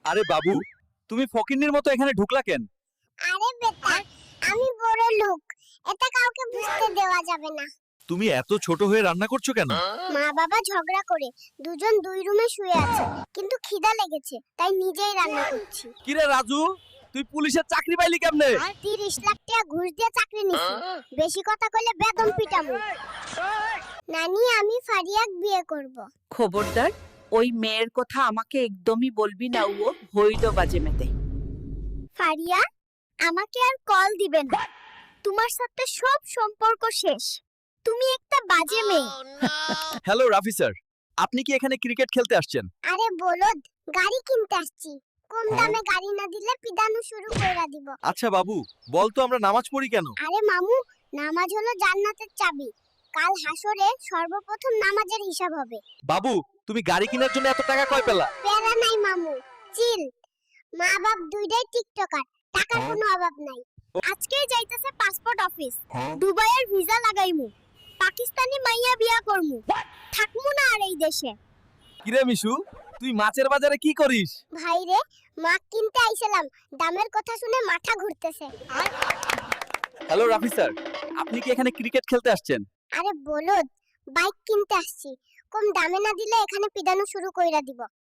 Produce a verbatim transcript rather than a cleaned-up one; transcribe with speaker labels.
Speaker 1: আরে বাবু, তুমি ফকিন্নির মতো এখানে ঢুকলা কেন?
Speaker 2: আরে বেটা, আমি বড় লোক, এটা কাউকে বুঝতে দেওয়া যাবে না।
Speaker 1: তুমি এত ছোট হয়ে রান্না করছো কেন?
Speaker 2: মা বাবা ঝগড়া করে দুজন দুই রুমে শুয়ে আছে, কিন্তু খিদা লেগেছে তাই নিজেই রান্না করছি।
Speaker 1: কিরে রাজু, তুই পুলিশের চাকরি পাইলি কেমনে?
Speaker 2: তিরিশ লাখ টাকা ঘুষ দিয়ে চাকরি নিছি। বেশি কথা কইলে বেদম পিটামু। নানি, আমি ফারিয়াক বিয়ে করব।
Speaker 3: খবরদার, ওই মেয়ের কথা আমাকে একদমই বলবি না। ও হইল বাজে মেতে।
Speaker 2: ফারিয়া, আমাকে আর কল দিবে না। তোমার সাথে সব সম্পর্ক শেষ। তুমি একটা বাজে মেয়ে।
Speaker 1: হ্যালো রাফি স্যার, আপনি কি এখানে ক্রিকেট খেলতে আসছেন?
Speaker 2: আরে বলদ, গাড়ি কিনতে আসছি। কম দামে গাড়ি না দিলে পিদানো শুরু কইরা দিব।
Speaker 1: আচ্ছা বাবু, বল তো আমরা নামাজ পড়ি কেন?
Speaker 2: আরে মামু, নামাজ হলো জান্নাতের চাবি। কাল হাসরে সর্বপ্রথম নামাজের হিসাব হবে।
Speaker 1: বাবু, তুমি গাড়ি কেনার জন্য এত টাকা কই পেলা?
Speaker 2: প্যারা নাই মামু, চিল। মা বাপ দুইটাই টিকটকার, টাকার কোনো অভাব নাই। আজকেই যাইতেছে পাসপোর্ট অফিস। দুবাইয়ের ভিসা লাগাইমু। পাকিস্তানি মাইয়া বিয়া করমু। থাকমু না আর এই দেশে।
Speaker 1: কিরে মিশু, তুই মাছের বাজারে কি করিস?
Speaker 2: ভাইরে, মাছ কিনতে আইছিলাম, দামের কথা শুনে মাথা ঘুরতেছে।
Speaker 1: হ্যালো রাফি স্যার, আপনি কি এখানে ক্রিকেট খেলতে আসছেন?
Speaker 2: আরে বলদ, বাইক কিনতে আসছি। কম দামে না দিলে এখানে পিদানো শুরু কইরা দিব।